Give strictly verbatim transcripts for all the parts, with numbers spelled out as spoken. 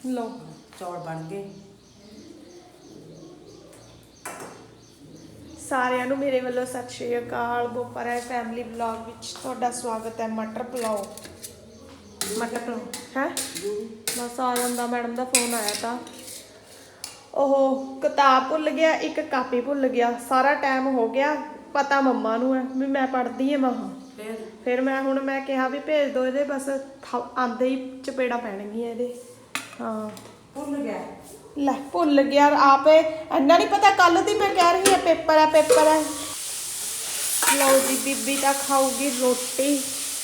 लो चौल बन गए। ਸਾਰਿਆਂ ਨੂੰ ਮੇਰੇ ਵੱਲੋਂ ਸਤਿ ਸ਼੍ਰੀ ਅਕਾਲ। ਬੋਪਰਾ ਫੈਮਿਲੀ ਵਲੌਗ ਵਿੱਚ ਤੁਹਾਡਾ ਸਵਾਗਤ ਹੈ। ਮਟਰ ਪੁਲਾਓ ਮਟਰ ਪੁਲਾਓ ਹੈ ਬਸ ਆ ਜਾਂਦਾ। ਮੈਡਮ ਦਾ ਫੋਨ ਆਇਆ ਤਾਂ ਉਹ ਕਿਤਾਬ ਭੁੱਲ ਗਿਆ, ਇੱਕ ਕਾਪੀ ਭੁੱਲ ਗਿਆ। ਸਾਰਾ ਟਾਈਮ ਹੋ ਗਿਆ, ਪਤਾ ਮੰਮਾ ਨੂੰ ਹੈ ਵੀ ਮੈਂ ਪੜ੍ਹਦੀ ਹਾਂ ਮਹਾਂ। ਫਿਰ ਮੈਂ ਹੁਣ ਮੈਂ ਕਿਹਾ ਵੀ ਭੇਜ ਦਿਓ ਇਹਦੇ, ਬਸ ਆਂਦੇ ਹੀ ਚਪੇੜਾ ਪੈਣਗੀਆਂ ਇਹਦੇ। ਹਾਂ भूल गया ਲੈ ਭੁੱਲ ਗਿਆ ਆਪੇ, ਇੰਨਾ ਨਹੀਂ ਪਤਾ। ਕੱਲ ਦੀ ਮੈਂ ਕਹਿ ਰਹੀ ਹਾਂ ਪੇਪਰ ਹੈ ਪੇਪਰ ਹੈ। ਲਓ ਜੀ ਬੀਬੀ ਤਾਂ ਖਾਊਗੀ ਰੋਟੀ,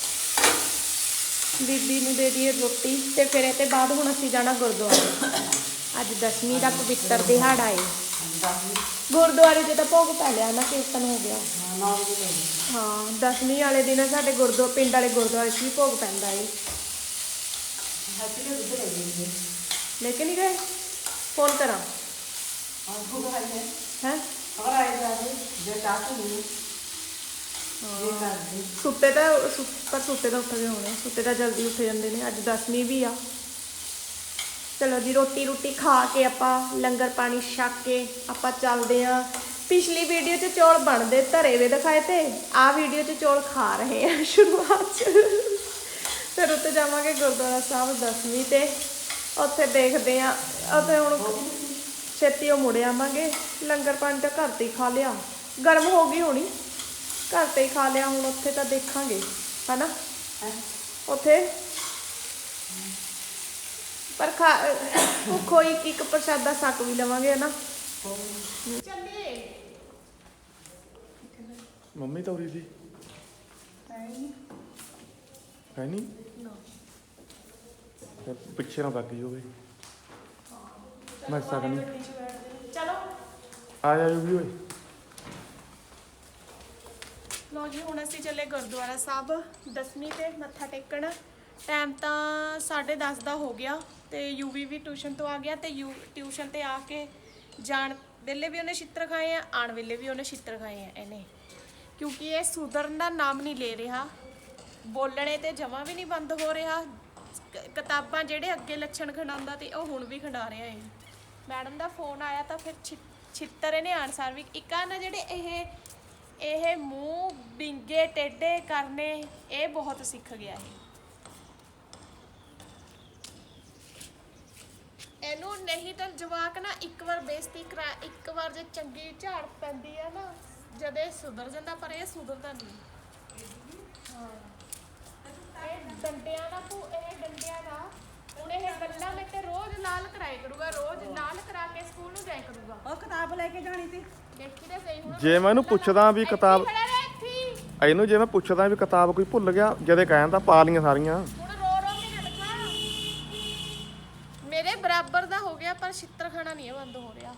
ਬੀਬੀ ਨੂੰ ਦੇ ਦਈਏ ਰੋਟੀ ਤੇ ਫਿਰ ਇਹ ਤੇ ਬਾਅਦ ਹੁਣ ਅਸੀਂ ਜਾਣਾ ਗੁਰਦੁਆਰੇ। ਅੱਜ ਦਸਵੀਂ ਦਾ ਪਵਿੱਤਰ ਦਿਹਾੜਾ ਏ। ਗੁਰਦੁਆਰੇ 'ਚ ਤਾਂ ਭੋਗ ਪੈ ਲਿਆ ਨਾ, ਕੀਰਤਨ ਹੋ ਗਿਆ। ਹਾਂ ਦਸਵੀਂ ਵਾਲੇ ਦਿਨ ਸਾਡੇ ਗੁਰਦੁਆਰੇ ਪਿੰਡ ਵਾਲੇ ਗੁਰਦੁਆਰੇ 'ਚ ਵੀ ਭੋਗ ਪੈਂਦਾ ਏ। ਲੈ ਕੇ ਨਹੀਂ ਗਏ? फोन करा है सुते तो पर सुते तो उठ गए होने, सुते तो जल्दी उठ जाते हैं। अज दसवीं भी आ। चलो जी रोटी रूटी खा के आपां लंगर पानी छक के आपां चलते हैं। पिछली वीडियो च चौल बनते धरे हुए दिखाए थे, आ वीडियो च चौल खा रहे हैं शुरुआत फिर उत्ते जावांगे गुरुद्वारा साहब दसवीं ते उत्थे देखते हैं। उत्थे हुण छेती मुड़ आवांगे। लंगर पानी तो घर ते ही खा लिया, गर्म हो गई होनी, घर ते ही खा लिया। हुण उत्थे तो देखांगे है ना, उत्थे पर खा भुखो एक एक प्रसादा सक भी लवांगे है ना। चलिए मम्मी तो उरी थी है नहीं पिछे ना बाकी हो गई। मैं सकनी चलो आ जाओ भी होए। लो जी हुण असीं चले गुरुद्वारा साहब दसवीं ते मत्था टेकण। टाइम तो साढ़े दस का हो गया तो यूवी भी ट्यूशन तो आ गया। तो यू ट्यूशन ते आके जान वेले भी उन्हें छित्र खाए हैं, आने वेले भी उन्हें छित्र खाए हैं इन्हें, क्योंकि ये सुधरन का नाम नहीं ले रहा। बोलने ते जमा भी नहीं बंद हो रहा। किताबां ਜਿਹੜੇ ਅੱਗੇ ਲੱਛਣ ਖੰਡਾਉਂਦਾ ਤੇ ਉਹ ਹੁਣ ਵੀ ਖੰਡਾ ਰਿਹਾ ਹੈ। ਮੈਡਮ ਦਾ ਫੋਨ ਆਇਆ ਤਾਂ ਫਿਰ ਛਿੱਤਰ ਇਹਨੇ ਆਨਸਰ ਵੀ ਇੱਕ ਆ ਨਾ ਜਿਹੜੇ ਇਹ ਇਹ ਮੂੰਹ ਬਿੰਗੇ ਟੇਢੇ ਕਰਨੇ ਇਹ ਬਹੁਤ ਸਿੱਖ ਗਿਆ ਹੈ। ਇਹਨੂੰ ਨਹੀਂ ਤਾਂ ਜਵਾਕ ਨਾ ਇੱਕ ਵਾਰ ਬੇਇੱਜ਼ਤੀ ਕਰਾ, ਇੱਕ ਵਾਰ ਜੇ ਚੰਗੀ ਝਾੜ ਪੈਂਦੀ ਹੈ ਨਾ ਜਦੇ ਸੁਧਰ ਜਾਂਦਾ, ਪਰ ਇਹ ਸੁਧਰਦਾ ਨਹੀਂ। ਹਾਂ ਇਹ ਡੰਡਿਆਂ ਦਾ ਭੂ ਇਹ ਡੰਡਿਆਂ ਦਾ ਹੁਣ ਇਹ ਗੱਲਾਂ ਮੈਂ ਤੇ ਰੋਜ਼ ਲਾਲ ਕਰਾਇਆ ਕਰੂਗਾ, ਰੋਜ਼ ਲਾਲ ਕਰਾ ਕੇ ਸਕੂਲ ਨੂੰ ਜਾਇਆ ਕਰੂਗਾ। ਉਹ ਕਿਤਾਬ ਲੈ ਕੇ ਜਾਣੀ ਸੀ। ਦੇਖੀ ਤਾਂ ਸਹੀ ਹੁਣ ਜੇ ਮੈਂ ਇਹਨੂੰ ਪੁੱਛਦਾ ਵੀ ਕਿਤਾਬ ਖੜਾ ਰਹਿ ਇੱਥੇ। ਇਹਨੂੰ ਜੇ ਮੈਂ ਪੁੱਛਦਾ ਵੀ ਕਿਤਾਬ ਕੋਈ ਭੁੱਲ ਗਿਆ, ਜਦੇ ਕਹਿਣ ਤਾਂ ਪਾ ਲੀਆਂ ਸਾਰੀਆਂ। ਹੁਣ ਰੋ ਰੋ ਕੇ ਨਾ ਦਿਖਾ, ਮੇਰੇ ਬਰਾਬਰ ਦਾ ਹੋ ਗਿਆ ਪਰ ਛਿੱਤਰ ਖਾਣਾ ਨਹੀਂ ਬੰਦ ਹੋ ਰਿਹਾ।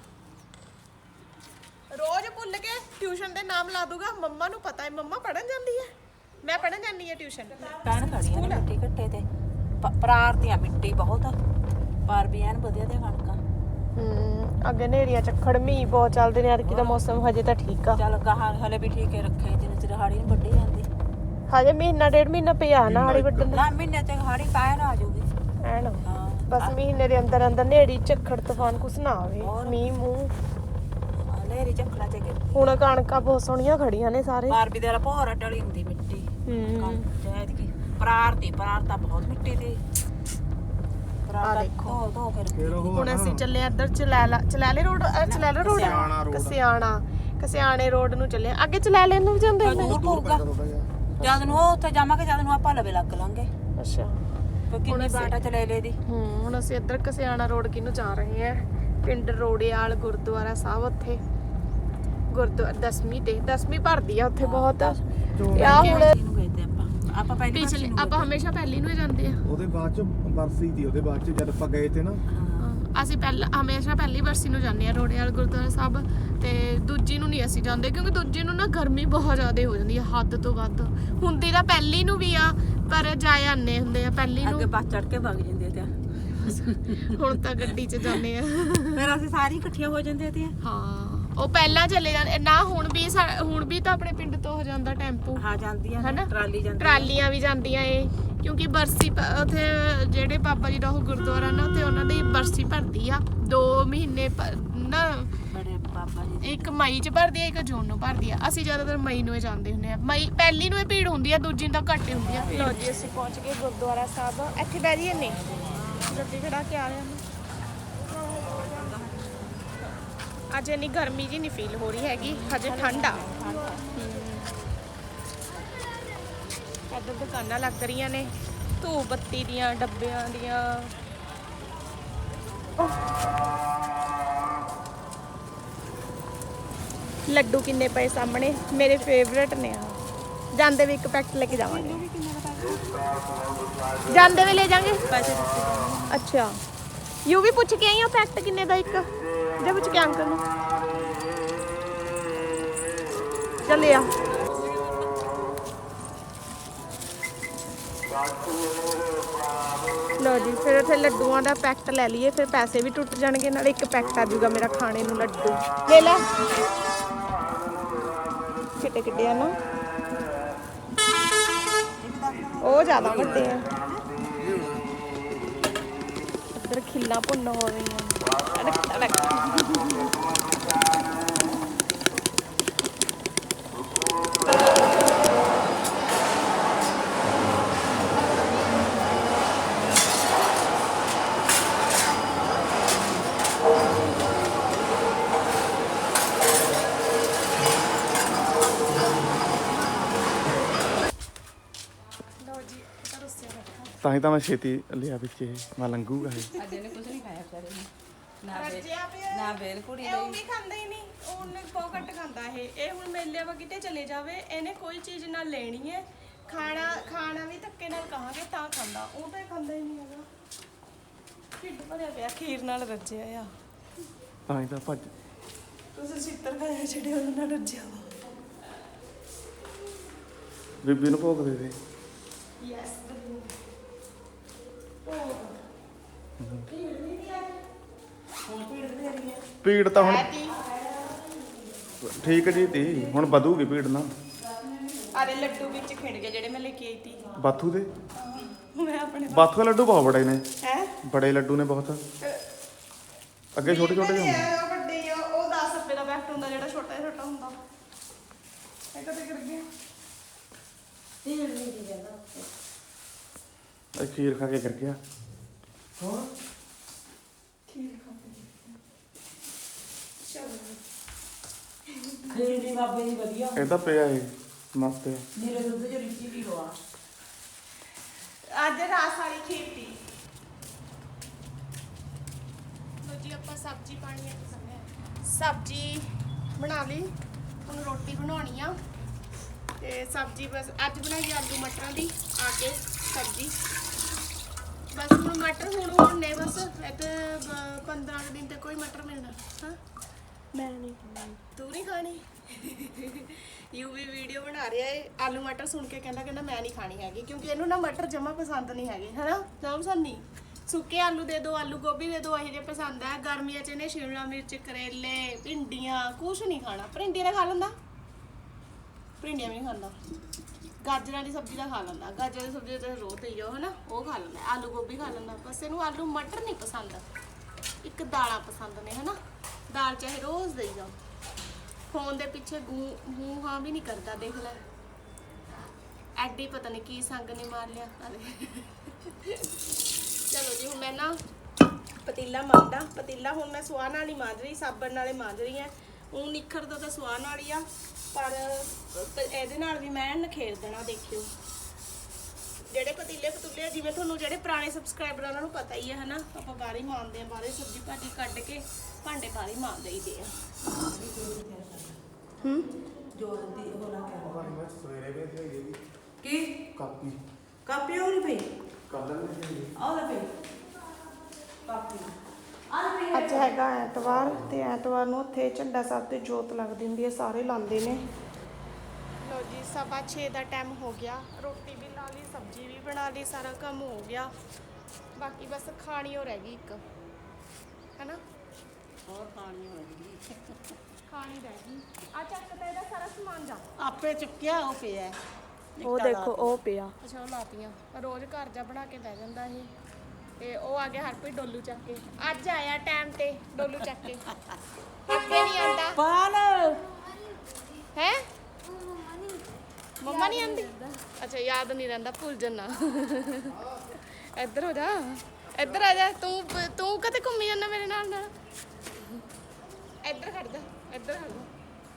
ਰੋਜ਼ ਭੁੱਲ ਕੇ ਟਿਊਸ਼ਨ ਦੇ ਨਾਮ ਲਾ ਦੂਗਾ। ਮੰਮਾ ਨੂੰ ਪਤਾ ਹੈ ਮੰਮਾ ਪੜਨ ਜਾਂਦੀ ਹੈ, ਮੈਂ ਪੜਨ ਜਾਂਦੀ ਹਾਂ ਟਿਊਸ਼ਨ। ਕਹਿਣ ਖੜੀਆਂ ਨੇ ਮਿੱਟੀ ਘੱਟੇ ਤੇ ਪ੍ਰਾਰਤੀਆਂ ਮਿੱਟੀ ਬਹੁਤ ਪਰ ਵੀ ਐਨ ਵਧੀਆ ਦੇ ਕਣਕਾਂ। ਹੂੰ ਅੱਗੇ ਨੇਰੀਆਂ ਝੱਖੜ ਮੀਂਹ ਬਹੁਤ ਚੱਲਦੇ ਨੇ। ਅਰਕੀ ਦਾ ਮੌਸਮ ਹਜੇ ਤਾਂ ਠੀਕ ਆ। ਚੱਲ ਗਾਹਾਂ ਹਲੇ ਵੀ ਠੀਕ ਹੈ ਰੱਖੇ, ਜਿੰਨੇ ਚਿਰ ਹਾੜੀ ਨਹੀਂ ਵੱਢੀ ਜਾਂਦੀ। ਹਜੇ ਮਹੀਨਾ ਡੇਢ ਮਹੀਨਾ ਪਿਆ ਨਾ ਹਾੜੀ ਵੱਢਣ ਦਾ। ਨਾ ਮਹੀਨੇ ਤੇ ਹਾੜੀ ਕਾਇਰ ਆ ਜਾਊਗੀ ਐਨ ਹਾਂ। ਬਸ ਮਹੀਨੇ ਦੇ ਅੰਦਰ ਅੰਦਰ ਨੇੜੀ ਝੱਖੜ ਤੂਫਾਨ ਕੁਛ ਨਾ ਆਵੇ, ਮੀਂਹ ਮੂੰਹ। ਨੇਰੀ ਝੱਖੜਾਂ ਚ ਗਏ ਹੁਣ ਕਣਕਾਂ ਬਹੁਤ ਸੋਹਣੀਆਂ ਖੜੀਆਂ ਨੇ ਸਾਰੇ। ਪਰ ਵੀ ਦੇ ਭੋਰਾ ਟਲੀ ਹੁੰਦੀ ਮਿੱਟੀ। ਹੂੰ ਚਾਹਤ ਕੀ ਪ੍ਰਾਰਤੀ ਪ੍ਰਾਰਤਾ ਬਹੁਤ ਮਿੱਟੀ ਦੀ ਆ ਦੇਖੋ। ਧੋ ਧੋ ਕੇ ਹੁਣ ਅਸੀਂ ਚੱਲੇ ਇੱਧਰ ਚਲੈਲਾ ਚਲੈਲੇ ਰੋਡ ਚਲੈਲਾ ਰੋਡ ਕਸਿਆਣਾ ਕਸਿਆਣੇ ਰੋਡ ਨੂੰ ਚੱਲੇ। ਅੱਗੇ ਚਲੈਲੇ ਨੂੰ ਵੀ ਜਾਂਦੇ ਨੇ। ਦੂਰ ਪਊਗਾ ਜਦ ਨੂੰ ਉਹ ਉੱਥੇ ਜਾਵਾਂਗੇ, ਜਦ ਨੂੰ ਆਪਾਂ ਲਵੇ ਲੱਗ ਲਾਂਗੇ। ਅੱਛਾ ਕਿੰਨੀ ਬਾਟਾ ਚਲੇ ਲੈ ਦੀ। ਹੂੰ ਹੁਣ ਅਸੀਂ ਇੱਧਰ ਕਸਿਆਣਾ ਰੋਡ ਕਿਨੂੰ ਜਾ ਰਹੇ ਹਾਂ। ਪਿੰਡ ਰੋੜੇਵਾਲ ਗੁਰਦੁਆਰਾ ਸਾਹਿਬ ਉੱਥੇ ਗੁਰਦੁਆਰਾ ਦਸਵੀਂ ਤੇ ਦਸਵੀਂ ਭਰਦੀ ਆ ਉੱਥੇ ਬਹੁਤ। ਆ ਹੁਣ ਆਪਾਂ ਪਹਿਲੀ ਪਿਛਲੇ ਆਪਾਂ ਹਮੇਸ਼ਾ ਪਹਿਲੀ ਨੂੰ ਹੀ ਜਾਂਦੇ ਆ। ਉਹਦੇ ਬਾਅਦ ਚ ਬਰਸੀ ਦੀ, ਉਹਦੇ ਬਾਅਦ ਚ ਜਦ ਆਪਾਂ ਗਏ ਤੇ ਨਾ ਅਸੀਂ ਪਹਿਲਾਂ ਹਮੇਸ਼ਾ ਪਹਿਲੀ ਬਰਸੀ ਨੂੰ ਜਾਂਦੇ ਆ ਰੋੜੇਵਾਲ ਗੁਰਦੁਆਰਾ ਸਾਹਿਬ। ਤੇ ਦੂਜੀ ਨੂੰ ਨਹੀਂ ਅਸੀਂ ਜਾਂਦੇ ਕਿਉਂਕਿ ਦੂਜੀ ਨੂੰ ਨਾ ਗਰਮੀ ਬਹੁਤ ਜ਼ਿਆਦਾ ਹੋ ਜਾਂਦੀ ਹੈ, ਹੱਦ ਤੋਂ ਵੱਧ। ਹੁੰਦੀ ਤਾਂ ਪਹਿਲੀ ਨੂੰ ਵੀ ਆ ਪਰ ਜਾਏ ਆਨੇ ਹੁੰਦੇ ਆ ਪਹਿਲੀ ਨੂੰ। ਅੱਗੇ ਬੱਸ ਚੜ ਕੇ ਵਗ ਜਾਂਦੇ ਤੇ ਹੁਣ ਤਾਂ ਗੱਡੀ 'ਚ ਜਾਂਦੇ ਆ। ਫਿਰ ਅਸੀਂ ਸਾਰੀ ਇਕੱਠੀਆਂ ਹੋ ਜਾਂਦੇ ਤੇ ਹਾਂ ਉਹ ਪਹਿਲਾਂ ਚਲੇ ਜਾਂਦੇ ਨਾ, ਹੁਣ ਵੀ ਸਾ- ਹੁਣ ਵੀ ਤਾਂ ਆਪਣੇ ਪਿੰਡ ਤੋਂ ਹੋ ਜਾਂਦਾ ਟੈਂਪੂ ਹਾਂ ਜਾਂਦੀਆਂ ਹਨਾ? ਨੇ, ਟਰਾਲੀ ਜਾਂਦੀ ਟਰਾਲੀਆਂ ਵੀ ਜਾਂਦੀਆਂ ਏ, ਕਿਉਂਕਿ ਬਰਸੀ ਪ- ਉੱਥੇ ਜਿਹੜੇ ਬਾਬਾ ਜੀ ਦਾ ਉਹ ਗੁਰਦੁਆਰਾ ਨਾ, ਉੱਥੇ ਉਹਨਾਂ ਦੀ ਬਰਸੀ ਭਰਦੀ ਆ ਦੋ ਮਹੀਨੇ ਪ- ਨਾ, ਬੜੇ ਬਾਬਾ ਜੀ ਦੇ। ਇੱਕ ਮਈ ਚ ਭਰਦੀ ਆ, ਇੱਕ ਜੂਨ ਨੂੰ ਭਰਦੀ ਆ। ਅਸੀਂ ਜ਼ਿਆਦਾਤਰ ਮਈ ਨੂੰ ਹੀ ਜਾਂਦੇ ਹੁੰਦੇ ਆ। ਮਈ ਪਹਿਲੀ ਨੂੰ ਹੀ ਭੀੜ ਹੁੰਦੀ ਆ, ਦੂਜੀ ਨੂੰ ਤਾਂ ਘੱਟ ਹੀ ਹੁੰਦੀ ਆ। ਲੋ ਜੀ ਅਸੀਂ ਪਹੁੰਚ ਗਏ ਗੁਰਦੁਆਰਾ ਸਾਹਿਬ। ਇੱਥੇ ਬਹਿ ਜੀਏ ਨੇ, ਗੱਡੀ ਖੜਾ ਕੇ ਆ ਰਹੇ ਹਾਂ। ਅੱਜ ਇੰਨੀ ਗਰਮੀ ਜੀ ਨਹੀਂ ਫੀਲ ਹੋ ਰਹੀ ਹੈਗੀ, ਹਜੇ ਠੰਡ ਆ। ਇੱਧਰ ਦੁਕਾਨਾਂ ਲੱਗ ਰਹੀਆਂ ਨੇ, ਧੂਪ ਬੱਤੀ ਦੀਆਂ, ਡੱਬਿਆਂ ਦੀਆਂ। ਲੱਡੂ ਕਿੰਨੇ ਪਏ ਸਾਹਮਣੇ, ਮੇਰੇ ਫੇਵਰੇਟ ਨੇ ਆ। ਜਾਂਦੇ ਵੀ ਇੱਕ ਪੈਕਟ ਲੈ ਕੇ ਜਾਵਾਂਗੇ, ਜਾਂਦੇ ਵੀ ਲੈ ਜਾਾਂਗੇ। ਪੈਸੇ ਦਿੱਤੇ ਅੱਛਾ, ਯੂ ਵੀ ਪੁੱਛ ਕੇ ਆਈ ਆ ਪੈਕਟ ਕਿੰਨੇ ਦਾ ਇੱਕ, ਜੇ ਪੁੱਛ ਕੇ ਅੰਕਲ ਨੂੰ। ਚੱਲੇ ਆ। ਲੋ ਜੀ, ਫਿਰ ਉੱਥੇ ਲੱਡੂਆਂ ਦਾ ਪੈਕਟ ਲੈ ਲਈਏ, ਫਿਰ ਪੈਸੇ ਵੀ ਟੁੱਟ ਜਾਣਗੇ, ਨਾਲੇ ਇੱਕ ਪੈਕਟ ਆ ਜਾਊਗਾ ਮੇਰਾ ਖਾਣੇ ਨੂੰ ਲੱਡੂ। ਲੈ ਲੈ, ਕਿੱਡੇ ਕਿੱਡੇ ਆ ਨਾ, ਉਹ ਜ਼ਿਆਦਾ ਵੱਡੇ ਆ। ਇੱਧਰ ਖਿੱਲਾਂ ਭੁੰਨ ਹੋ ਰਹੀਆਂ। ਤਾਂ ਹੀ ਤਾਂ ਮੈਂ ਛੇਤੀ ਲਿਆ ਵਿੱਚ ਇਹ, ਮੈਂ ਲੰਘੂਗਾ ਇਹ। ਅੱਜ ਇਹਨੇ ਕੁਝ ਨਹੀਂ ਖਾਇਆ ਵਿਚਾਰੇ ਨੇ, ਨਾ ਬੇ- ਰੱਜਿਆ ਪਿਆ। ਨਾ ਬੇਲ ਕੁੜੀ ਇਹ ਉਹ ਵੀ ਖਾਂਦਾ ਹੀ ਨਹੀਂ, ਉਹਨੇ ਬਹੁਤ ਘੱਟ ਖਾਂਦਾ ਇਹ। ਇਹ ਹੁਣ ਮੇਲੇ ਵਾ ਕਿਤੇ ਚਲੇ ਜਾਵੇ, ਇਹਨੇ ਕੋਈ ਚੀਜ਼ ਨਾਲ ਲੈਣੀ ਹੈ, ਖਾਣਾ ਖਾਣਾ ਵੀ ਧੱਕੇ ਨਾਲ ਕਹਾਂਗੇ ਤਾਂ ਖਾਂਦਾ, ਉਹ ਤਾਂ ਇਹ ਖਾਂਦਾ ਹੀ ਨਹੀਂ ਹੈਗਾ। ਢਿੱਡ ਭਰਿਆ ਪਿਆ, ਖੀਰ ਨਾਲ ਰੱਜਿਆ ਆ। ਤਾਂ ਹੀ ਤਾਂ ਭੱਜ ਤੁਸੀਂ ਛਿੱਤਰ ਖਾਇਆ ਜਿਹੜੇ ਉਹਨਾਂ ਨਾਲ ਰੱਜਿਆ ਵਾ। ਬੀਬੀ ਨੂੰ ਭੋਗ ਦੇ ਦੇ। ਯੈਸ ਭੀੜ ਤਾਂ ਹੁਣ ਠੀਕ ਜੀ ਤੀ, ਹੁਣ ਵਧੂਗੀ ਭੀੜ ਨਾ। ਅਰੇ ਲੱਡੂ ਵਿੱਚ ਖਿੰਡ ਗਏ ਜਿਹੜੇ ਮੈਂ ਲੈ ਕੇ ਆਈ ਤੀ ਬਾਥੂ ਦੇ, ਮੈਂ ਆਪਣੇ ਬਾਥੂ ਦੇ ਲੱਡੂ ਬਹੁਤ ਬੜੇ ਨੇ, ਹੈ ਬੜੇ ਲੱਡੂ ਨੇ ਬਹੁਤ। ਅੱਗੇ ਛੋਟੇ ਛੋਟੇ ਜਿਹੇ ਹੁੰਦੇ। ਉਹ ਵੱਡੇ ਆ, ਉਹ ਦਸ ਰੁਪਏ ਦਾ ਪੈਕਟ ਹੁੰਦਾ ਜਿਹੜਾ ਛੋਟਾ ਜਿਹਾ ਛੋਟਾ ਹੁੰਦਾ। ਇਹ ਕਦੇ ਕਰ ਗਿਆ ਇਹ ਖੀਰ ਖਾ ਕੇ ਕਰ ਗਿਆ। ਖੀਰ ਖਾ ਕੇ ਚਲੋ ਖੀਰ ਦੀ ਬਾਬੇ ਦੀ ਵਧੀਆ, ਇਹ ਤਾਂ ਪਿਆ ਇਹ ਮਸਤ ਹੈ। ਨੀਰੇ ਦੁੱਧ ਚ ਰਿੱਚੀ ਵੀ ਰੋਆ। ਅੱਜ ਰਾਤ ਸਾਰੀ ਖੀਰ ਪੀ। ਲੋ ਜੀ ਆਪਾਂ ਸਬਜ਼ੀ ਪਾਣੀ ਹੈ, ਸਬਜ਼ੀ ਬਣਾ ਲਈ, ਹੁਣ ਰੋਟੀ ਬਣਾਉਣੀ ਆ। ਤੇ ਸਬਜ਼ੀ ਬਸ ਅੱਜ ਬਣਾਈ ਆਲੂ ਮਟਰਾਂ ਦੀ, ਆ ਕੇ ਸਬਜ਼ੀ ਬਸ। ਹੁਣ ਮਟਰ ਹੁਣ ਹੁਣ ਨੇ ਬਸ, ਇੱਥੇ ਪੰਦਰਾਂ ਕੁ ਦਿਨ ਤੇ ਕੋਈ ਮਟਰ ਮਿਲਣਾ। ਹਾਂ ਮੈਂ ਨਹੀਂ ਖਾਣੀ, ਤੂੰ ਨਹੀਂ ਖਾਣੀ। ਯੂ ਵੀ ਵੀਡੀਓ ਬਣਾ ਰਿਹਾ ਏ, ਆਲੂ ਮਟਰ ਸੁਣ ਕੇ ਕਹਿੰਦਾ ਕਹਿੰਦਾ ਮੈਂ ਨਹੀਂ ਖਾਣੀ ਹੈਗੀ, ਕਿਉਂਕਿ ਇਹਨੂੰ ਨਾ ਮਟਰ ਜਮਾ ਪਸੰਦ ਨਹੀਂ ਹੈਗੇ, ਹਨਾ ਨਾ ਪਸੰਦ ਨਹੀਂ। ਸੁੱਕੇ ਆਲੂ ਦੇ ਦਿਓ, ਆਲੂ ਗੋਭੀ ਦੇ ਦਿਓ, ਇਹੋ ਜਿਹੇ ਪਸੰਦ ਹੈ। ਗਰਮੀਆਂ 'ਚ ਇਹਨੇ ਸ਼ਿਮਲਾ ਮਿਰਚ, ਕਰੇਲੇ, ਭਿੰਡੀਆਂ ਕੁਛ ਨਹੀਂ ਖਾਣਾ। ਭਿੰਡੀਆਂ ਦਾ ਖਾ ਲੈਂਦਾ, ਭਿੰਡੀਆਂ ਵੀ ਨਹੀਂ ਖਾਂਦਾ। ਗਾਜਰਾਂ ਦੀ ਸਬਜ਼ੀ ਦਾ ਖਾ ਲੈਂਦਾ, ਗਾਜਰਾਂ ਦੀ ਸਬਜ਼ੀ ਤਾਂ ਰੋਜ਼ ਦੇਈ ਜਾਓ ਹਨਾ, ਉਹ ਖਾ ਲੈਂਦਾ। ਆਲੂ ਗੋਭੀ ਖਾ ਲੈਂਦਾ, ਬਸ ਇਹਨੂੰ ਆਲੂ ਮਟਰ ਨਹੀਂ ਪਸੰਦ। ਇੱਕ ਦਾਲਾਂ ਪਸੰਦ ਨੇ ਹਨਾ, ਦਾਲ ਚਾਹੇ ਰੋਜ਼ ਦੇਈ ਜਾਓ। ਫੋਨ ਦੇ ਪਿੱਛੇ ਗੂੰ ਗੂੰ ਹਾਂ ਵੀ ਨਹੀਂ ਕਰਦਾ, ਦੇਖ ਲੈ ਐਡੀ ਪਤਾ ਨਹੀਂ ਕੀ ਸੰਗ ਨੇ ਮਾਰ ਲਿਆ। ਚਲੋ ਜੀ, ਹੁਣ ਮੈਂ ਨਾ ਪਤੀਲਾ ਮਾਂਜਦਾ। ਪਤੀਲਾ ਹੁਣ ਮੈਂ ਸਵਾਹ ਨਾਲ ਹੀ ਮਾਂਜ ਰਹੀ, ਸਾਬਣ ਨਾਲੇ ਮਾਂਜ ਰਹੀ ਹੈ। ਉਹ ਨਿਖਰਦਾ ਤਾਂ ਸਵਾਹ ਨਾਲ ਹੀ ਆ, ਪਰ ਇਹਦੇ ਨਾਲ ਵੀ ਮੈਂ ਨਖੇੜ ਦੇਣਾ। ਦੇਖਿਓ ਜਿਹੜੇ ਪਤੀਲੇ ਪਤੂਲੇ ਆ, ਜਿਵੇਂ ਤੁਹਾਨੂੰ ਜਿਹੜੇ ਪੁਰਾਣੇ ਸਬਸਕ੍ਰਾਈਬਰ ਉਹਨਾਂ ਨੂੰ ਪਤਾ ਹੀ ਹੈ ਹਨਾ, ਆਪਾਂ ਬਾਹਰ ਹੀ ਮਾਂਜਦੇ ਆ। ਬਾਹਰੇ ਸਬਜ਼ੀ ਭਾਜੀ ਕੱਢ ਕੇ ਭਾਂਡੇ ਬਾਹਰ ਹੀ ਮਾਂਜ ਦਈਦੇ ਆ। ਹੂੰ ਜੋ ਦੀ ਉਹ ਲਾ ਕੇ ਸਵੇਰੇ ਵੀ ਕੀ ਕਾਪੀ ਕਾਪੀ ਹੋ ਨਹੀਂ ਪਈ, ਕੱਲ ਨਹੀਂ ਆਹ ਲੈ ਪਈ ਕਾਪੀ। ਅੱਜ ਹੈਗਾ ਐਤਵਾਰ, ਤੇ ਐਤਵਾਰ ਨੂੰ ਉੱਥੇ ਝੰਡਾ ਸਾਹਿਬ ਤੇ ਜੋਤ ਲੱਗਦੀ ਹੁੰਦੀ ਹੈ, ਸਾਰੇ ਲਾਉਂਦੇ ਨੇ। ਲੋ ਜੀ, ਸਵਾ ਛੇ ਦਾ ਟਾਈਮ ਹੋ ਗਿਆ। ਰੋਟੀ ਵੀ ਲਾ ਲਈ, ਸਬਜ਼ੀ ਵੀ ਬਣਾ ਲਈ, ਸਾਰਾ ਕੰਮ ਹੋ ਗਿਆ। ਬਾਕੀ ਬਸ ਖਾਣੀ ਹੋ ਰਹਿ ਗਈ ਇੱਕ, ਹੈਨਾ। ਹੋਰ ਖਾਣੀ ਹੋਏਗੀ। ਖਾਣੀ ਰਹਿ ਗਈ ਆ ਚੱਕ ਤੇ ਇਹਦਾ ਸਾਰਾ ਸਮਾਨ ਜਾ ਆਪੇ ਚੁੱਕਿਆ ਉਹ ਪਿਆ ਉਹ ਦੇਖੋ ਉਹ ਪਿਆ ਅੱਛਾ ਉਹ ਲਾਤੀਆਂ ਰੋਜ਼ ਘਰ ਜਾ ਬਣਾ ਕੇ ਲੈ ਜਾਂਦਾ ਇਹ ਤੇ ਉਹ ਆ ਗਿਆ ਹਰਪ੍ਰੀਤ ਡੋਲੂ ਚੱਕ ਕੇ ਅੱਜ ਆਇਆ ਟਾਈਮ ਤੇ ਡੋਲੂ ਚੱਕ ਕੇ ਅੱਗੇ ਨਹੀਂ ਆਂਦਾ ਪਾਲ ਹੈ ਮੰਮਾ ਨਹੀਂ ਆਂਦੀ ਅੱਛਾ ਯਾਦ ਨਹੀਂ ਰਹਿੰਦਾ ਭੁੱਲ ਜੰਨਾ ਇੱਧਰ ਹੋ ਜਾ ਇੱਧਰ ਆ ਜਾ ਤੂੰ ਤੂੰ ਕਦੇ ਘੁੰਮੀ ਜਾਂਦਾ ਮੇਰੇ ਨਾਲ ਨਾਲ ਇੱਧਰ ਖੜ ਜਾ ਇੱਧਰ ਖੜ ਜਾ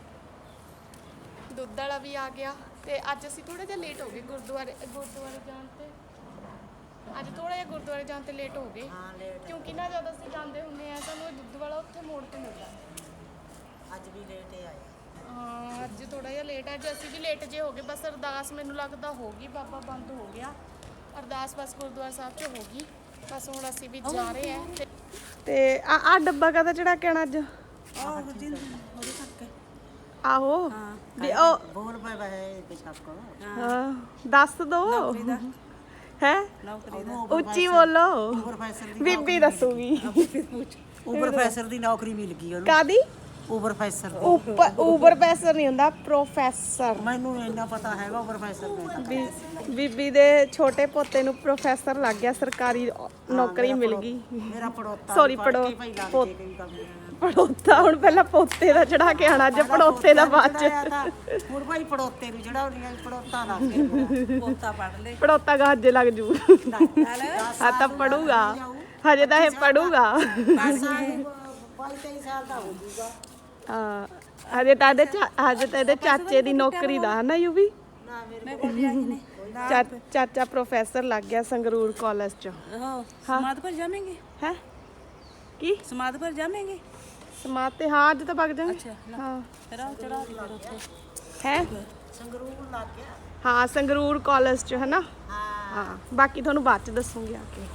ਦੁੱਧ ਵਾਲਾ ਵੀ ਆ ਗਿਆ ਤੇ ਅੱਜ ਅਸੀਂ ਥੋੜਾ ਜਿਹਾ ਲੇਟ ਹੋ ਗਏ ਗੁਰਦੁਆਰੇ ਗੁਰਦੁਆਰੇ ਜਾਣ ਤੇ ਅੱਜ ਥੋੜਾ ਜਿਹਾ ਗੁਰਦੁਆਰੇ ਜਾਣ ਤੇ ਲੇਟ ਹੋ ਗਏ ਕਿਉਂਕਿ ਨਾ ਜਦ ਅਸੀਂ ਜਾਂਦੇ ਹੁੰਦੇ ਆ ਸਾਨੂੰ ਇਹ ਦੁੱਧ ਵਾਲਾ ਉੱਥੇ ਮੋੜ ਤੇ ਮਿਲਦਾ ਅੱਜ ਵੀ ਲੇਟ ਆਇਆ ਹਾਂ ਅੱਜ ਥੋੜਾ ਜਿਹਾ ਲੇਟ ਹੈ ਅੱਜ ਅਸੀਂ ਵੀ ਲੇਟ ਜੇ ਹੋ ਗਏ ਬਸ ਅਰਦਾਸ ਮੈਨੂੰ ਲੱਗਦਾ ਹੋ ਗਈ ਬਾਬਾ ਬੰਦ ਹੋ ਗਿਆ ਅਰਦਾਸ ਬਸ ਗੁਰਦੁਆਰਾ ਸਾਹਿਬ 'ਚ ਹੋ ਗਈ ਬਸ ਹੁਣ ਅਸੀਂ ਵੀ ਜਾ ਰਹੇ ਹਾਂ ਤੇ ਤੇ ਆ ਆ ਡੱਬਾ ਕਾਹਦਾ ਚੜਾ ਕੇ ਆਣਾ ਅੱਜ ਆਹ ਜੀ ਉਹਦੇ ਤੱਕ ਆਹੋ ਹਾਂ ਵੀ ਉਹ ਬੋਲ ਪਏ ਵੇ ਪਿਛਾਪ ਕੋ ਹਾਂ ਦੱਸ ਦੋ ਹੈ ਨੌਕਰੀ ਦਾ ਉੱਚੀ ਬੋਲੋ ਪ੍ਰੋਫੈਸਰ ਦੀ ਬੀਬੀ ਦੱਸੂਗੀ ਉਹ ਪ੍ਰੋਫੈਸਰ ਦੀ ਨੌਕਰੀ ਮਿਲ ਗਈ ਉਹਨੂੰ ਕਾਦੀ ਉਹ ਪ੍ਰੋਫੈਸਰ ਉੱਪਰ ਉਪਰ ਪ੍ਰੋਫੈਸਰ ਨਹੀਂ ਹੁੰਦਾ ਪ੍ਰੋਫੈਸਰ ਮੈਨੂੰ ਇੰਨਾ ਪਤਾ ਹੈਗਾ ਉਹ ਪ੍ਰੋਫੈਸਰ ਦਾ ਬੀ- ਬੀਬੀ ਦੇ ਛੋਟੇ ਪੋਤੇ ਨੂੰ ਪ੍ਰੋਫੈਸਰ ਲੱਗ ਗਿਆ ਸਰਕਾਰੀ ਨੌਕਰੀ ਮਿਲ ਗਈ ਮੇਰਾ ਪੜੋਤਾ Sorry, ਪੜੋ- ਪੋ- ਪੜੋਤਾ ਹੁਣ ਪਹਿਲਾਂ ਪੋਤੇ ਦਾ ਚੜਾ ਕੇ ਆਣਾ ਅੱਜ ਪੜੋਤੇ ਦਾ ਬਾਅਦ ਚ ਹੁਣ ਭਾਈ ਪੜੋਤੇ ਨੂੰ ਜਿਹੜਾ ਉਹਨੀਆਂ ਪੜੋਤਾ ਲੱਗ ਗਿਆ ਪੋਤਾ ਪੜ ਲੈ ਪੜੋਤਾ ਗਾਜੇ ਲੱਗ ਜੂ ਆ ਤਾਂ ਪੜੂਗਾ ਹਜੇ ਤਾਂ ਇਹ ਪੜੂਗਾ ਬਾਈ ਤੇਈ ਸਾਲ ਦਾ ਹੋ ਜੂਗਾ ਹਾਂ ਹਜੇ ਤਾਂ ਇਹਦੇ ਚਾ- ਹਜੇ ਤਾਂ ਇਹਦੇ ਚਾਚੇ ਦੀ ਨੌਕਰੀ ਦਾ ਹੈ ਨਾ ਯੂਵੀ ਨਾ ਮੇਰੇ ਕੋਲ ਚਾ- ਚਾਚਾ ਪ੍ਰੋਫੈਸਰ ਲੱਗ ਗਿਆ ਸੰਗਰੂਰ ਕਾਲਜ ਚ समाध पर जामेंगे ਹੈ ਕੀ समाध पर जामेंगे ਸਮਾਤ ਤੇ ਹਾਂ ਅੱਜ ਤਾਂ ਵਗ ਜਾਵਾਂਗੇ अच्छा ਹਾਂ चढ़ा चढ़ा दी फिर ਉੱਥੇ ਹੈ ਸੰਗਰੂਰ ਲੱਗ ਗਿਆ ਹਾਂ ਸੰਗਰੂਰ ਕਾਲਜ ਚ ਹੈ ਨਾ ਹਾਂ ਹਾਂ ਬਾਕੀ ਤੁਹਾਨੂੰ ਬਾਅਦ ਚ ਦੱਸੂਗੀ ਆ ਕੇ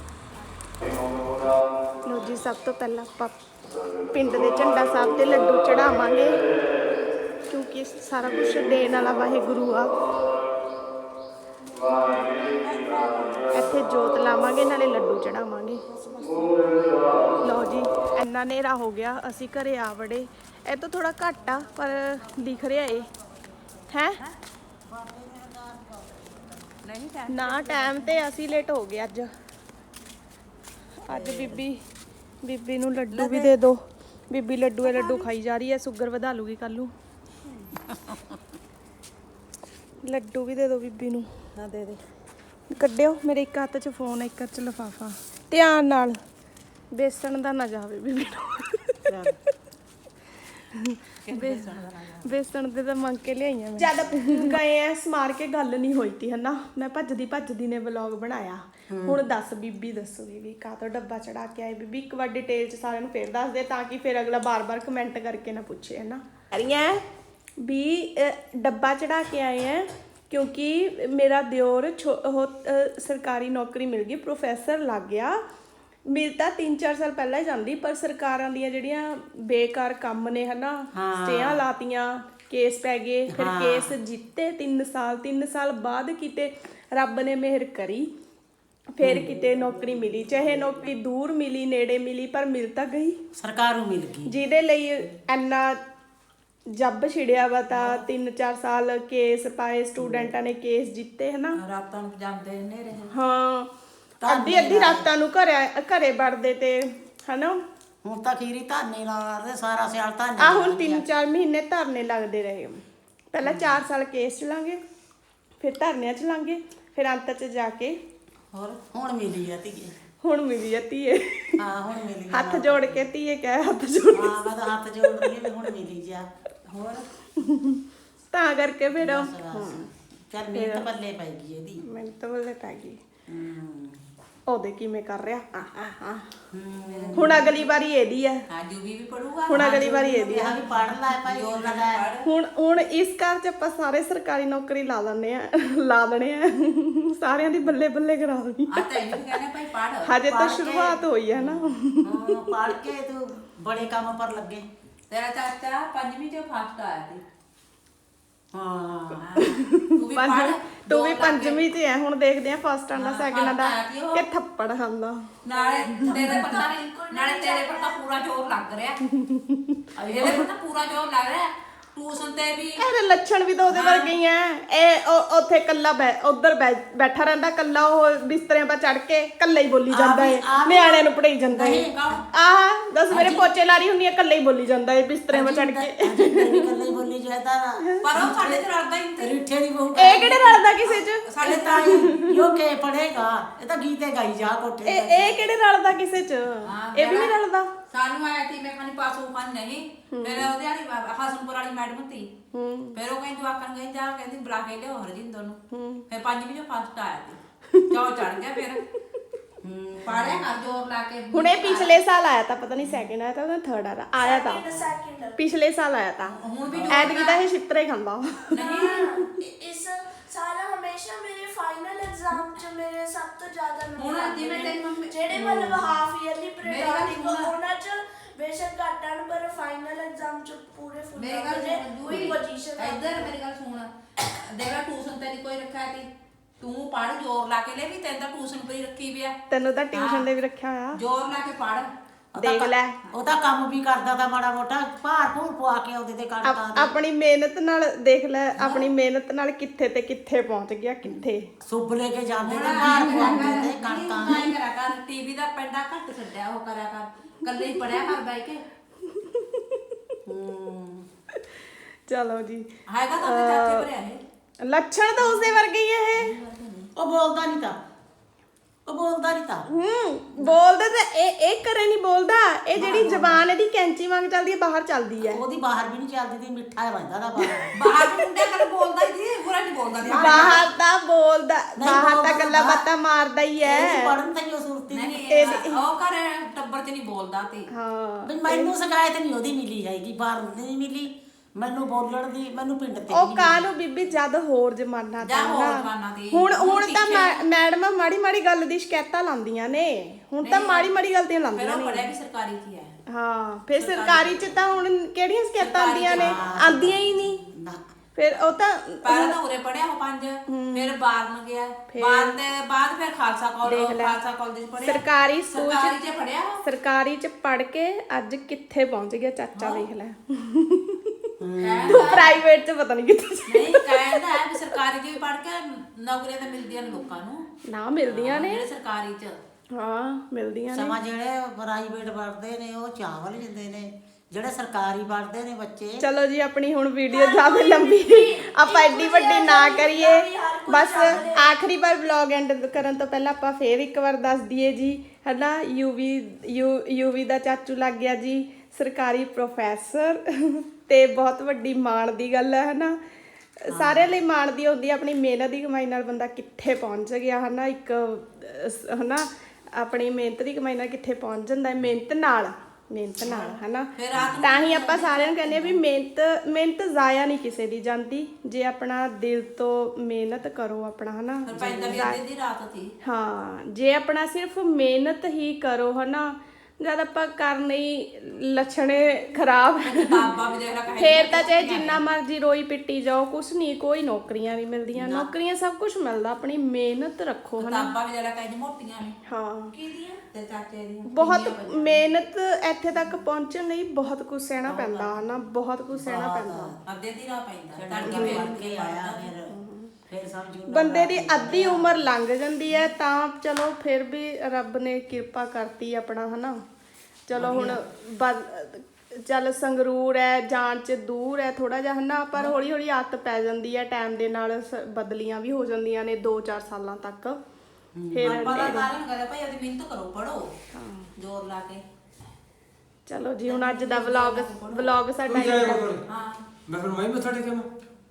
ਲੋ ਜੀ ਸਭ ਤੋਂ ਪਹਿਲਾਂ ਆਪਾਂ ਪਿੰਡ ਦੇ ਝੰਡਾ ਸਾਹਿਬ ਤੇ ਲੱਡੂ ਚੜਾਵਾਂਗੇ ਕਿਉਂਕਿ ਸਾਰਾ ਕੁਝ ਦੇਣ ਵਾਲਾ ਵਾਹਿਗੁਰੂ ਆ ਇੱਥੇ ਜੋਤ ਲਾਵਾਂਗੇ ਨਾਲੇ ਲੱਡੂ ਚੜਾਵਾਂਗੇ ਲਓ ਜੀ ਇੰਨਾ ਹਨੇਰਾ ਹੋ ਗਿਆ ਅਸੀਂ ਘਰੇ ਆ ਵੜੇ ਇਹ ਤੋਂ ਥੋੜਾ ਘੱਟ ਆ ਪਰ ਦਿਖ ਰਿਹਾ ਏ ਹੈ ਨਹੀਂ ਨਾ ਟਾਈਮ ਤੇ ਅਸੀਂ ਲੇਟ ਹੋ ਗਏ ਅੱਜ ਅੱਜ ਬੀਬੀ ਬੀਬੀ ਨੂੰ ਲੱਡੂ ਵੀ ਦੇ ਦਿਓ ਬੀਬੀ ਲੱਡੂ ਇਹ ਲੱਡੂ ਖਾਈ ਜਾ ਰਹੀ ਹੈ ਸ਼ੂਗਰ ਵਧਾ ਲੂਗੀ ਕੱਲ ਨੂੰ ਲੱਡੂ ਵੀ ਦੇ ਦਿਓ ਬੀਬੀ ਨੂੰ ਨਾ ਦੇ ਦੇ ਕੱਢਿਓ ਮੇਰੇ ਇੱਕ ਹੱਥ 'ਚ ਫੋਨ ਇੱਕ ਹੱਥ 'ਚ ਲਿਫਾਫਾ ਧਿਆਨ ਨਾਲ ਬੇਸਣ ਦਾ ਨਾ ਜਾਵੇ ਬੀਬੀ ਨੂੰ ਬੇ- ਬੇਸਣ ਦੇ ਤਾਂ ਮੰਗ ਕੇ ਲਿਆਈਆਂ ਮੈਂ ਜਦ ਗਏ ਐ ਸਮਾਰ ਕੇ ਗੱਲ ਨਹੀਂ ਹੋਈ ਤੀ ਹਨਾ ਮੈਂ ਭੱਜਦੀ ਭੱਜਦੀ ਨੇ ਵਲੌਗ ਬਣਾਇਆ ਹੁਣ ਦੱਸ ਬੀਬੀ ਦੱਸੂਗੀ ਵੀ ਕਾਹ ਤੋਂ ਡੱਬਾ ਚੜਾ ਕੇ ਆਏ ਬੀਬੀ ਇੱਕ ਵਾਰ ਡਿਟੇਲ ਚ ਸਾਰਿਆਂ ਨੂੰ ਫੇਰ ਦੱਸ ਦੇ ਤਾਂ ਕਿ ਫਿਰ ਅਗਲਾ ਬਾਰ-ਬਾਰ ਕਮੈਂਟ ਕਰਕੇ ਨਾ ਪੁੱਛੇ ਹਨਾ ਕਰੀਆਂ ਵੀ ਅਹ, ਡੱਬਾ ਚੜਾ ਕੇ ਆਏ ਐ ਕਿਉਂਕਿ ਮੇਰਾ ਦਿਓਰ ਛੋ- ਉਹ ਅਹ, ਸਰਕਾਰੀ ਨੌਕਰੀ ਮਿਲ ਗਈ ਪ੍ਰੋਫੈਸਰ ਲੱਗ ਗਿਆ ਮਿਲ ਤਾਂ ਤਿੰਨ ਚਾਰ ਸਾਲ ਪਹਿਲਾਂ ਹੀ ਜਾਂਦੀ ਪਰ ਸਰਕਾਰਾਂ ਦੀਆਂ ਜਿਹੜੀਆਂ ਬੇਕਾਰ ਕੰਮ ਨੇ ਹਨਾ ਸਟੇਆਂ ਲਾਤੀਆਂ ਕੇਸ ਪੈ ਗਏ ਫਿਰ ਕੇਸ ਜਿੱਤੇ ਤਿੰਨ ਸਾਲ ਤਿੰਨ ਸਾਲ ਬਾਅਦ ਕਿਤੇ ਰੱਬ ਨੇ ਮਿਹਰ ਕਰੀ ਫਿਰ ਕਿਤੇ ਨੌਕਰੀ ਮਿਲੀ ਚਾਹੇ ਨੌਕਰੀ ਦੂਰ ਮਿਲੀ ਨੇੜੇ ਮਿਲੀ ਪਰ ਮਿਲ ਤਾਂ ਗਈ ਸਰਕਾਰ ਨੂੰ ਮਿਲ ਗਈ ਜਿਹਦੇ ਲਈ ਇੰਨਾ ਜੱਬ ਛਿੜਿਆ ਵਾ ਤਾਂ ਤਿੰਨ ਚਾਰ ਸਾਲ ਕੇਸ ਪਾਏ ਸਟੂਡੈਂਟਾਂ ਨੇ ਕੇਸ ਜਿੱਤੇ ਹਨਾ ਰਾਤਾਂ ਨੂੰ ਜਾਂਦੇ ਨੇ ਰਹੇ ਹਾਂ ਅੱਧੀ ਅੱਧੀ ਰਾਤਾਂ ਨੂੰ ਘਰੇ ਘਰੇ ਵੜਦੇ ਤੇ ਹਨਾ ਹੁਣ ਤਾਂ ਖੀਰੀ ਧਾਨੇ ਲਾਦੇ ਸਾਰਾ ਸਿਆਲ ਧਾਨੇ ਆ ਹੁਣ ਤਿੰਨ ਚਾਰ ਮਹੀਨੇ ਧਰਨੇ ਲੱਗਦੇ ਰਹੇ ਪਹਿਲਾਂ ਚਾਰ ਸਾਲ ਕੇਸ ਚਲਾਂਗੇ ਫਿਰ ਧਰਨਿਆਂ ਚਲਾਂਗੇ ਫਿਰ ਅੰਤ ਚ ਜਾ ਕੇ ਹੋਰ ਹੁਣ ਮਿਲੀ ਆ ਧੀਏ ਹੁਣ ਮਿਲੀ ਆ ਧੀਏ ਹਾਂ ਹੁਣ ਮਿਲੀ ਹੱਥ ਜੋੜ ਕੇ ਧੀਏ ਕਹਿ ਹੱਥ ਜੋੜ ਹਾਂ ਮੈਂ ਤਾਂ ਹੱਥ ਜੋੜ ਰਹੀ ਵੀ ਹੁਣ ਮਿਲੀ ਜਾ ਹੋਰ ਤਾਂ ਕਰਕੇ ਫਿਰ ਚੱਲ ਮਿਹਨਤ ਪੱਲੇ ਪੈ ਗਈ ਇਹਦੀ ਮੈਨੂੰ ਤਾਂ ਬੱਲੇ ਪੈ ਗਈ ਹੂੰ ਉਹਦੇ ਕਿਵੇਂ ਕਰ ਰਿਹਾ ਆ ਆ ਆ ਹੁਣ ਅਗਲੀ ਵਾਰੀ ਇਹਦੀ ਆ ਹਾਂ ਜੂਵੀ ਵੀ ਪੜੂਗਾ ਹੁਣ ਅਗਲੀ ਵਾਰੀ ਇਹਦੀ ਆ ਵੀ ਪੜ ਲੈ ਭਾਈ ਜੋਰ ਲਗਾ ਹੁਣ ਹੁਣ ਇਸ ਘਰ 'ਚ ਆਪਾਂ ਸਾਰੇ ਸਰਕਾਰੀ ਨੌਕਰੀ ਲਾ ਦਿੰਦੇ ਆ ਲਾ ਦੇਣੇ ਆ ਸਾਰਿਆਂ ਦੀ ਬੱਲੇ ਬੱਲੇ ਕਰਾ ਦੇਣੀ ਆ ਤਾਂ ਇਹ ਕਹਿੰਦੇ ਭਾਈ ਪੜ ਹਜੇ ਤਾਂ ਸ਼ੁਰੂਆਤ ਹੋਈ ਹੈ ਨਾ ਹਾਂ ਪੜ ਕੇ ਤੂੰ ਬੜੇ ਕੰਮ ਪਰ ਲੱਗੇ ਤੇਰਾ ਚਾਚਾ ਪੰਜਵੀਂ ਚੋਂ ਫਸਟ ਆਇਆ ਸੀ ਹਾਂ ਤੂੰ ਵੀ ਪੜ ਤੂੰ ਵੀ ਪੰਜਵੀਂ 'ਚ ਹੈ ਹੁਣ ਦੇਖਦੇ ਆ ਫਸਟ ਆਂਦਾ ਸੈਕਿੰਡ ਆਂਦਾ ਕਿ ਥੱਪੜ ਖਾਂਦਾ ਨਾਲੇ ਤੇਰੇ ਪਤਾ ਨਹੀਂ ਨਾਲੇ ਨਾਲੇ ਤੇਰੇ ਪਰ ਤਾਂ ਪੂਰਾ ਜ਼ੋਰ ਲੱਗ ਰਿਹਾ ਇਹਦੇ ਪਰ ਤਾਂ ਪੂਰਾ ਜ਼ੋਰ ਲੱਗ ਰਿਹਾ ਟਿਊਸ਼ਨ ਤੇ ਵੀ ਇਹਦੇ ਲੱਛਣ ਵੀ ਤਾਂ ਉਹਦੇ ਵਰਗੇ ਹੀ ਐ ਇਹ ਉਹ- ਉੱਥੇ ਕੱਲਾ ਉਧਰ ਬੈਠਾ ਰਹਿੰਦਾ ਕੱਲਾ ਉਹ ਬਿਸਤਰਿਆਂ 'ਪਾ ਚੜ ਕੇ ਕੱਲਾ ਹੀ ਬੋਲੀ ਜਾਂਦਾ ਏ ਨਿਆਣਿਆਂ ਨੂੰ ਪੜਾਈ ਜਾਂਦਾ ਏ ਆਹ ਦੱਸ ਮੇਰੇ ਪੋਚੇ ਲਾਰੀ ਹੁੰਦੀ ਆ ਕੱਲਾ ਹੀ ਬੋਲੀ ਜਾਂਦਾ ਏ ਬਿਸਤਰਿਆਂ 'ਪਾ ਚੜ ਕੇ ਕੱਲੇ ਬੋਲੀ ਜਾਂਦਾ ਪਰ ਉਹ ਸਾਡੇ ਤੇ ਰਲਦਾ ਹੀ ਨਹੀਂ ਰਿੱਠੇ ਦੀ ਬਹੂ ਇਹ ਕਿਹੜੇ ਰਲਦਾ ਕਿਸੇ 'ਚ ਸਾਡੇ ਤਾਂ ਯੋ ਕੇ ਪੜੇਗਾ ਇਹ ਤਾਂ ਗੀਤੇ ਗਾਈ ਜਾ ਕੋਠੇ ਤੇ। ਇਹ ਇਹ ਕਿਹੜੇ ਰਲਦਾ ਕਿਸੇ 'ਚ ਇਹ ਵੀ ਨਹੀਂ ਰਲਦਾ ਸਾਨੂੰ ਆਇਆ ਸੀ ਮੈਂ ਖਾਨੀ ਪਾਸੋਂ ਖਾਨ ਨਹੀਂ ਫਿਰ ਉਹਦੇ ਵਾਲੀ ਹਸਨਪੁਰ ਵਾਲੀ ਮੈਡਮ ਤੀ ਫਿਰ ਉਹ ਕਹਿੰਦੀ ਆਕਣ ਗਈ ਜਾ ਕਹਿੰਦੀ ਬੁਲਾ ਕੇ ਲਿਓ ਹਰਜਿੰਦਰ ਨੂੰ ਫਿਰ ਪੰਜਵੀਂ ਚੋਂ ਫਸਟ ਆਇਆ ਸੀ ਚੌ ਚੜ ਗਿਆ ਫਿਰ ਪਾੜਿਆ ਕਰ ਜ਼ੋਰ ਲਾ ਕੇ ਹੁਣ ਇਹ ਪਿਛਲੇ ਸਾਲ ਆਇਆ ਤਾਂ ਪਤਾ ਨਹੀਂ ਸੈਕਿੰਡ ਆਇਆ ਤਾਂ ਉਹਦਾ ਥਰਡ ਆਇਆ ਆਇਆ ਤਾਂ ਪਿਛਲੇ ਸਾਲ ਆਇਆ ਤਾਂ ਹੁਣ ਵੀ ਐਤਕੀ ਤਾਂ ਇਹ ਛਿੱਤਰੇ ਖਾਂਦਾ ਨਹੀਂ ਇਸ ਸਾਲ ਹਮੇਸ਼ਾ ਮੇਰੇ ਫਾਈਨਲ ਐਗਜ਼ਾਮ ਚ ਮੇਰੇ ਸਭ ਤੋਂ ਜ਼ਿਆਦਾ ਹੁਣ ਨੰਬਰ ਜਿਵੇਂ ਤੇਰੀ ਮੰਮੀ ਜਿਹੜੇ ਮਤਲਬ ਹਾਫ ਈਅਰਲੀ ਮੇਰੀ ਗੱਲ ਪੀਰੀਅਡ ਸੁਣ। ਉਹਨਾਂ ਚ ਬੇਸ਼ੱਕ ਘੱਟ ਆਣ ਪਰ ਫਾਈਨਲ ਐਗਜ਼ਾਮ ਚ ਪੂਰੇ ਫੁੱਲ ਮੇਰੀ ਗੱਲ ਸੁਣ ਕੋਈ ਪੋਜੀਸ਼ਨ ਇੱਧਰ ਮੇਰੀ ਗੱਲ ਸੁਣ ਦੇਗਾ ਟਿਊਸ਼ਨ ਤੇ ਨਹੀਂ ਕੋਈ ਰੱਖਿਆ ਤੀ ਤੂੰ ਪੜ ਜ਼ੋਰ ਲਾ ਕੇ ਲੈ ਵੀ ਤੈਨੂੰ ਤਾਂ ਟਿਊਸ਼ਨ ਪਈ ਰੱਖੀ ਵੀ ਆ ਤੈਨੂੰ ਤਾਂ ਟਿਊਸ਼ਨ ਦੇ ਵੀ ਰੱਖਿਆ ਹੋਇਆ ਜ਼ੋਰ ਲਾ ਕੇ ਪੜ ਦੇਖ ਲੈ ਉਹ ਤਾਂ ਕੰਮ ਵੀ ਕਰਦਾ ਤਾਂ ਮਾੜਾ ਮੋਟਾ ਭਾਰ ਭੂਰ ਪਵਾ ਕੇ ਉਹਦੇ ਤੇ ਆਪ- ਕੱਢਦਾ ਆਪਣੀ ਮਿਹਨਤ ਨਾਲ ਦੇਖ ਲੈ ਆਪਣੀ ਮਿਹਨਤ ਨਾਲ ਕਿੱਥੇ ਤੇ ਕਿੱਥੇ ਪਹੁੰਚ ਗਿਆ ਕਿੱਥੇ ਸੁੱਬ ਲੈ ਕੇ ਜਾਂਦੇ ਤੇ ਭਾਰ ਪਵਾਉਂਦੇ ਤੇ ਕਣਕਾਂ ਨਹੀਂ ਕਰਾ ਕਰ ਟੀਵੀ ਦਾ ਪੈਂਡਾ ਘੱਟ ਛੱਡਿਆ ਉਹ ਕਰਿਆ ਕਰ ਕੱਲੇ ਹੀ ਪੜਿਆ ਕਰ ਬੈ ਕੇ ਚਲੋ ਜੀ ਹੈਗਾ ਤਾਂ ਆਪਣੇ ਚਾਚੇ ਭਰਿਆ ਇਹ ਲੱਛਣ ਤਾਂ ਉਸਦੇ ਵਰਗੇ ਹੀ ਆ ਇਹ ਉਹ ਬੋਲਦਾ ਨਹੀਂ ਤਾਂ ਉਹ ਬੋਲਦਾ ਨਹੀਂ ਤਾਂ ਹੂੰ ਬੋਲਦਾ ਤਾਂ ਇਹ ਇਹ ਕਰੇ ਨਹੀਂ ਬੋਲਦਾ ਇਹ ਜਿਹੜੀ ਜ਼ਬਾਨ ਇਹਦੀ ਕੈਂਚੀ ਵਾਂਗ ਚੱਲਦੀ ਹੈ ਬਾਹਰ ਚੱਲਦੀ ਹੈ ਉਹਦੀ ਬਾਹਰ ਵੀ ਨਹੀਂ ਚੱਲਦੀ ਤੇ ਮਿੱਠਾ ਰਹਿੰਦਾ ਦਾ ਬਾਹਰ ਬਾਹਰ ਵੀ ਮੁੰਡੇ ਕਰ ਬੋਲਦਾ ਹੀ ਸੀ ਪੂਰਾ ਨਹੀਂ ਬੋਲਦਾ ਸੀ ਬਾਹਰ ਤਾਂ ਬੋਲਦਾ ਨਹੀਂ ਬਾਹਰ ਤਾਂ ਬੋਲਦਾ। ਗੱਲਾਂ ਬਾਤਾਂ ਮਾਰਦਾ ਹੀ ਹੈ ਪੜਨ ਤਾਂ ਹੀ ਉਹ ਸੁਰਤੀ ਨਹੀਂ ਨਹੀਂ ਇਹ ਉਹ ਕਰ ਟੱਬਰ ਚ ਨਹੀਂ ਬੋਲਦਾ ਤੇ ਹਾਂ ਵੀ ਮੈਨੂੰ ਸ਼ਿਕਾਇਤ ਨਹੀਂ ਉਹਦੀ ਮਿਲੀ ਜਾਏਗੀ ਬਾਹਰ ਨਹੀਂ ਮਿਲੀ ਮੈਨੂੰ ਬੋਲਣ ਦੀ ਮੈਨੂੰ ਪਿੰਡ ਤੇ ਉਹ ਕਾਹਨੂੰ ਬੀਬੀ ਜਦ ਹੋਰ ਜ਼ਮਾਨਾ ਜਾਂ ਤਾਂ ਹੋਰ ਨਾ। ਜ਼ਮਾਨਾ ਤੇ। ਹੁਣ ਹੁਣ ਹੁਣ ਤਾਂ ਪਿੱਛੇ- ਮੈ- ਮੈਡਮਾਂ ਮਾੜੀ ਮਾੜੀ ਗੱਲ ਦੀ ਸ਼ਿਕਾਇਤਾਂ ਲਾਉਂਦੀਆਂ ਨੇ ਹੁਣ ਤਾਂ ਮਾੜੀ ਮਾੜੀ ਗੱਲ ਦੀਆਂ ਫਿਰ ਲਾਉਂਦੀਆਂ ਉਹ ਨੇ ਪੜਿਆ ਵੀ ਸਰਕਾਰੀ ਚ ਹੀ ਹੈ ਹਾਂ ਫਿਰ ਸਰਕਾਰੀ ਚ ਤਾਂ ਹੁਣ ਕਿਹੜੀਆਂ ਸ਼ਿਕਾਇਤਾਂ ਸਰਕਾਰੀ ਆਉਂਦੀਆਂ ਨੇ ਚ, ਹਾਂ। ਆਉਂਦੀਆਂ ਹੀ ਨਹੀਂ ਨਾ ਫਿਰ ਉਹ ਤਾਂ ਪਹਿਲਾਂ ਤਾਂ ਉਰੇ ਪੜਿਆ ਉਹ ਪੰਜ ਫਿਰ ਬਾਰਨ ਗਿਆ ਬਾਰਨ ਦੇ ਬਾਅਦ ਫਿਰ ਖਾਲਸਾ ਕਾਲਜ ਦੇਖ ਲੈ। ਖਾਲਸਾ ਕਾਲਜ ਚ ਪੜਿਆ ਸਰਕਾਰੀ ਸਕੂਲ ਸਰਕਾਰੀ ਚ ਚ ਪੜਿਆ ਉਹ ਸਰਕਾਰੀ ਚ ਪੜ ਕੇ ਅੱਜ ਕਿੱਥੇ ਪਹੁੰਚ ਗਿਆ ਚਾਚਾ ਦੇਖ ਲੈ ਕਹਿੰਦਾ ਪ੍ਰਾਈਵੇਟ ਚ ਪਤਾ ਨਹੀਂ ਕਿੱਥੇ ਨਹੀਂ ਕਹਿੰਦਾ ਹੈ ਵੀ ਸਰਕਾਰੀ ਚ ਵੀ ਪੜ ਕੇ ਨੌਕਰੀਆਂ ਤਾਂ ਮਿਲਦੀਆਂ ਨੇ ਲੋਕਾਂ ਨੂੰ ਨਾ ਮਿਲਦੀਆਂ ਨੇ ਜਿਹੜੇ ਸਰਕਾਰੀ ਚ ਹਾਂ ਮਿਲਦੀਆਂ ਨੇ ਸਮਾਂ ਜਿਹੜੇ ਪ੍ਰਾਈਵੇਟ ਪੜ੍ਹਦੇ ਨੇ ਉਹ ਚਾਵਲ ਜਾਂਦੇ ਨੇ ਜਿਹੜੇ ਸਰਕਾਰੀ ਪੜ੍ਹਦੇ ਨੇ ਬੱਚੇ ਚਲੋ ਜੀ ਆਪਣੀ ਹੁਣ ਵੀਡੀਓ ਜ਼ਿਆਦਾ ਲੰਬੀ ਆਪਾਂ ਐਡੀ ਵੱਡੀ ਨਾ ਕਰੀਏ ਬਸ ਆਖਰੀ ਵਾਰ ਵਲੌਗ ਐਂਡ ਕਰਨ ਤੋਂ ਪਹਿਲਾਂ ਆਪਾਂ ਫੇਰ ਇੱਕ ਵਾਰ ਦੱਸ ਦਈਏ ਜੀ ਹਨਾ ਯੂਵੀ ਯੂਵੀ ਦਾ ਚਾਚੂ ਲੱਗ ਗਿਆ ਜੀ ਸਰਕਾਰੀ ਪ੍ਰੋਫੈਸਰ ਤੇ ਬਹੁਤ ਵੱਡੀ ਮਾਣ ਦੀ ਗੱਲ ਹੈ ਹਨਾ ਸਾਰਿਆਂ ਲਈ ਮਾਣ ਦੀ ਹੁੰਦੀ ਹੈ ਆਪਣੀ ਮਿਹਨਤ ਦੀ ਕਮਾਈ ਨਾਲ ਬੰਦਾ ਕਿੱਥੇ ਪਹੁੰਚ ਗਿਆ ਹਨਾ ਇੱਕ ਅਹ, ਹਨਾ ਆਪਣੀ ਮਿਹਨਤ ਦੀ ਕਮਾਈ ਨਾਲ ਕਿੱਥੇ ਪਹੁੰਚ ਜਾਂਦਾ ਹੈ ਮਿਹਨਤ ਨਾਲ ਮਿਹਨਤ ਨਾਲ ਹਨਾ ਫਿਰ ਰਾਤ ਨੂੰ ਤਾਂ ਹੀ ਆਪਾਂ ਸਾਰਿਆਂ ਨੂੰ ਕਹਿੰਦੇ ਆ ਵੀ ਮਿਹਨਤ ਮਿਹਨਤ ਜ਼ਾਇਆ ਨਹੀਂ ਕਿਸੇ ਦੀ ਜਾਂਦੀ ਜੇ ਆਪਣਾ ਦਿਲ ਤੋਂ ਮਿਹਨਤ ਕਰੋ ਆਪਣਾ ਹਨਾ ਫਿਰ ਪੈਂਦਾ ਵੀ ਅੱਧੀ ਦੀ ਰਾਤ ਸੀ ਹਾਂ ਜੇ ਆਪਣਾ ਸਿਰਫ ਮਿਹਨਤ ਹੀ ਕਰੋ ਹਨਾ ਜਦ ਆਪਾਂ ਕਰਨੇ ਹੀ ਲੱਛਣੇ ਖਰਾਬ ਕਿਤਾਬਾਂ ਵੀ ਦੇਖ ਲੈ ਕਹੇ ਫੇਰ ਤਾਂ ਚਾਹੇ ਜਿੰਨਾ ਮਰਜ਼ੀ ਰੋਈ ਪਿੱਟੀ ਜਾਓ ਕੁਛ ਨਹੀਂ ਕੋਈ ਨੌਕਰੀਆਂ ਨਹੀਂ ਮਿਲਦੀਆਂ ਨੌਕਰੀਆਂ ਸਭ ਕੁਝ ਮਿਲਦਾ ਆਪਣੀ ਮਿਹਨਤ ਰੱਖੋ ਹਨਾ ਕਿਤਾਬਾਂ ਵੀ ਦੇਖ ਲੈ ਕਹੇ ਮੋਟੀਆਂ ਨੇ ਹਾਂ ਤੇ ਚਾਚੇ ਦੀਆਂ ਬਹੁਤ ਮਿਹਨਤ ਇੱਥੇ ਤੱਕ ਪਹੁੰਚਣ ਲਈ ਬਹੁਤ ਕੁਝ ਸਹਿਣਾ ਪੈਂਦਾ ਹਨਾ ਬਹੁਤ ਕੁਝ ਸਹਿਣਾ ਪੈਂਦਾ ਅੱਧੇ ਦੀ ਰਾਹ ਪੈਂਦਾ ਤੜਕੇ ਤੜਕੇ ਬਣ ਕੇ ਆਇਆ ਫਿਰ ਫਿਰ ਸਮਝੂ ਬੰਦੇ ਦੀ ਅੱਧੀ ਉਮਰ ਲੰਘ ਜਾਂਦੀ ਹੈ ਤਾਂ ਚਲੋ ਫਿਰ ਵੀ ਰੱਬ ਨੇ ਕਿਰਪਾ ਕਰਤੀ ਆਪਣਾ ਹਨਾ ਚਲੋ ਹੁਣ ਬਦ- ਚੱਲ ਸੰਗਰੂਰ ਹੈ ਜਾਣ ਚ ਦੂਰ ਹੈ ਥੋੜਾ ਜਿਹਾ ਹਨਾ ਪਰ ਹੌਲੀ ਹੌਲੀ ਆਦਤ ਪੈ ਜਾਂਦੀ ਹੈ ਟਾਈਮ ਦੇ ਨਾਲ ਸ- ਬਦਲੀਆਂ ਵੀ ਹੋ ਜਾਂਦੀਆਂ ਨੇ ਦੋ ਚਾਰ ਸਾਲਾਂ ਤੱਕ ਫਿਰ ਪਤਾ ਕਾਰਨ ਕਰੇ ਭਾਈ ਉਹਦੀ ਮਿਹਨਤ ਕਰੋ ਪੜੋ ਜ਼ੋਰ ਲਾ ਕੇ ਚਲੋ ਜੀ ਹੁਣ ਅੱਜ ਦਾ ਵਲੌਗ ਵਲੌਗ ਸਾਡਾ ਤੂੰ ਜਾਇਆ ਇੰਨਾ- ਕਰ ਹਾਂ ਮੈਂ ਫਿਰ ਮੈਂ ਮੱਥਾ ਟੇਕਾਂ ਮੈਂ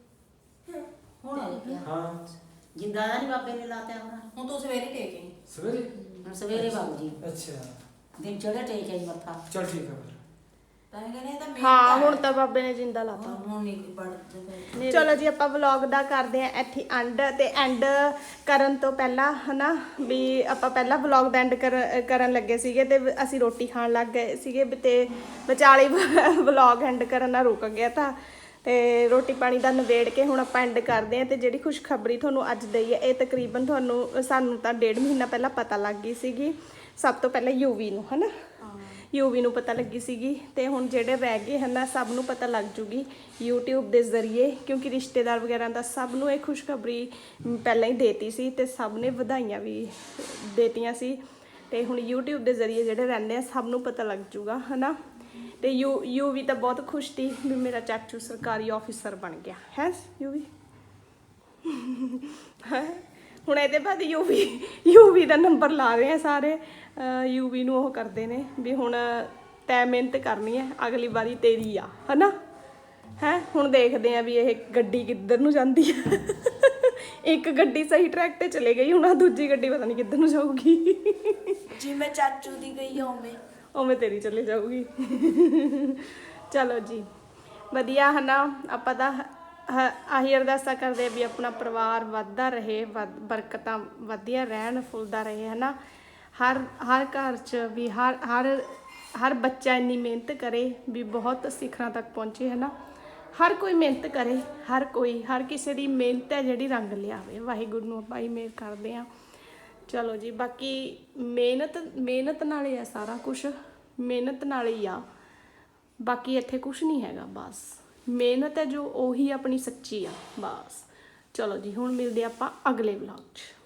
ਹੁਣ ਹੋ ਗਿਆ ਹਾਂ ਜਿੰਦਾ ਨਹੀਂ ਬਾਬੇ ਨੇ ਲਾਤਿਆ ਹੁਣ ਹੁਣ ਤੂੰ ਸਵੇਰੇ ਟੇਕੇ ਸਵੇਰੇ ਹੁਣ ਸਵੇਰੇ ਬਾਬੂ ਜੀ ਅੱਛਾ ਦਿਨ ਚੜੇ ਟੇਕ ਆਈ ਮੱਥਾ ਚਲ ਠੀਕ ਆ ਫਿਰ ਤਾਂ ਇਹ ਕਹਿੰਦੇ ਇਹ ਤਾਂ ਮਿਹਨਤ ਹਾਂ ਹੈ। ਹੁਣ ਤਾਂ ਬਾਬੇ ਨੇ ਜਿੰਦਾ ਲਾਤਾ ਹੁਣ ਨਹੀਂ ਪੜਦੇ ਚਲੋ ਜੀ ਆਪਾਂ ਵਲੌਗ ਦਾ ਕਰਦੇ ਆ ਇੱਥੇ ਐਂਡ ਤੇ ਐਂਡ ਕਰਨ ਤੋਂ ਪਹਿਲਾਂ ਹਨਾ ਵੀ ਆਪਾਂ ਪਹਿਲਾਂ ਵਲੌਗ ਦਾ ਐਂਡ ਕਰਨ ਲੱਗੇ ਸੀਗੇ ਤੇ ਅਸੀਂ ਰੋਟੀ ਖਾਣ ਲੱਗ ਗਏ ਸੀਗੇ ਤੇ ਵਿਚਾਲੇ ਵਲੌਗ ਐਂਡ ਕਰਨ ਨਾਲ ਰੁਕ ਗਿਆ ਤਾਂ ਤੇ ਰੋਟੀ ਪਾਣੀ ਦਾ ਨਵੇੜ ਕੇ ਹੁਣ ਆਪਾਂ ਐਂਡ ਕਰਦੇ ਆ ਤੇ ਜਿਹੜੀ ਖੁਸ਼ਖਬਰੀ ਤੁਹਾਨੂੰ ਅੱਜ ਦਈ ਹੈ ਇਹ ਤਕਰੀਬਨ ਤੁਹਾਨੂੰ ਸਾਨੂੰ ਤਾਂ ਡੇਢ ਮਹੀਨਾ ਪਹਿਲਾਂ ਪਤਾ ਲੱਗ ਗਈ ਸੀਗੀ ਸਭ ਤੋਂ ਪਹਿਲਾਂ ਯੂਵੀ ਨੂੰ ਹਨਾ ਯੂਵੀ ਨੂੰ ਪਤਾ ਲੱਗੀ ਸੀਗੀ ਤੇ ਹੁਣ ਜਿਹੜੇ ਰਹਿ ਗਏ ਹਨ ਸਭ ਨੂੰ ਪਤਾ ਲੱਗ ਜੂਗੀ YouTube ਦੇ ਜ਼ਰੀਏ, ਕਿਉਂਕਿ ਰਿਸ਼ਤੇਦਾਰ ਵਗੈਰਾ ਦਾ ਸਭ ਨੂੰ ਇਹ ਖੁਸ਼ਖਬਰੀ ਪਹਿਲਾਂ ਹੀ ਦੇਤੀ ਸੀ ਤੇ ਸਭ ਨੇ ਵਧਾਈਆਂ ਵੀ ਦੇਤੀਆਂ ਸੀ। ਤੇ ਹੁਣ YouTube ਦੇ ਜ਼ਰੀਏ ਜਿਹੜੇ ਰਹਿੰਦੇ ਆ ਸਭ ਨੂੰ ਪਤਾ ਲੱਗ ਜੂਗਾ ਹਨਾ। ਤੇ ਯੂ ਯੂਵੀ ਤਾਂ ਬਹੁਤ ਖੁਸ਼ ਸੀ ਵੀ ਮੇਰਾ ਚਾਚੂ ਸਰਕਾਰੀ ਆਫਿਸਰ ਬਣ ਗਿਆ ਹੈ ਯੂਵੀ। ਹੁਣ ਇਹਦੇ ਬਾਅਦ ਯੂਵੀ ਯੂਵੀ ਦਾ ਨੰਬਰ ਲਾ ਰਹੇ ਆ ਸਾਰੇ, ਯੂਵੀ ਨੂੰ ਉਹ ਕਰਦੇ ਨੇ ਵੀ ਹੁਣ ਤੈਂ ਮਿਹਨਤ ਕਰਨੀ ਹੈ, ਅਗਲੀ ਵਾਰੀ ਤੇਰੀ ਆ ਹਨਾ। ਹੈ ਹੁਣ ਦੇਖਦੇ ਆ ਵੀ ਇਹ ਗੱਡੀ ਕਿੱਧਰ ਨੂੰ ਜਾਂਦੀ ਹੈ। ਇੱਕ ਗੱਡੀ ਸਹੀ ਟਰੈਕ ਤੇ ਚਲੇ ਗਈ, ਹੁਣ ਆਹ ਦੂਜੀ ਗੱਡੀ ਪਤਾ ਨਹੀਂ ਕਿੱਧਰ ਨੂੰ ਜਾਊਗੀ। ਜਿਵੇਂ ਚਾਚੂ ਦੀ ਗਈ ਆ ਉਵੇਂ ਉਵੇਂ ਤੇਰੀ ਚਲੇ ਜਾਊਗੀ। ਚਲੋ ਜੀ ਵਧੀਆ ਹਨਾ। ਆਪਾਂ ਤਾਂ ਹ- ਆਹੀ ਅਰਦਾਸਾਂ ਕਰਦੇ ਆ ਵੀ ਆਪਣਾ ਪਰਿਵਾਰ ਵੱਧਦਾ ਰਹੇ, ਵੱਧ ਬਰਕਤਾਂ ਵਧੀਆ ਰਹਿਣ, ਫੁੱਲਦਾ ਰਹੇ ਹਨਾ। ਹਰ ਹਰ ਘਰ 'ਚ ਵੀ ਹਰ ਹਰ ਹਰ ਬੱਚਾ ਇੰਨੀ ਮਿਹਨਤ ਕਰੇ ਵੀ ਬਹੁਤ ਸਿਖਰਾਂ ਤੱਕ ਪਹੁੰਚੇ ਹਨਾ। ਹਰ ਕੋਈ ਮਿਹਨਤ ਕਰੇ, ਹਰ ਕੋਈ ਹਰ ਕਿਸੇ ਦੀ ਮਿਹਨਤ ਹੈ ਜਿਹੜੀ ਰੰਗ ਲਿਆਵੇ। ਵਾਹਿਗੁਰੂ ਨੂੰ ਆਪਾਂ ਹੀ ਮਿਹਰ ਕਰਦੇ ਹਾਂ। ਚਲੋ ਜੀ ਬਾਕੀ ਮਿਹਨਤ ਮਿਹਨਤ ਨਾਲ ਹੀ ਆ ਸਾਰਾ ਕੁਛ, ਮਿਹਨਤ ਨਾਲ ਹੀ ਆ, ਬਾਕੀ ਇੱਥੇ ਕੁਛ ਨਹੀਂ ਹੈਗਾ। ਬਸ ਮਿਹਨਤ ਹੈ ਜੋ ਉਹੀ ਆਪਣੀ ਸੱਚੀ ਆ ਬਸ। ਚਲੋ ਜੀ ਹੁਣ ਮਿਲਦੇ ਆਪਾਂ ਅਗਲੇ ਵਲੌਗ 'ਚ।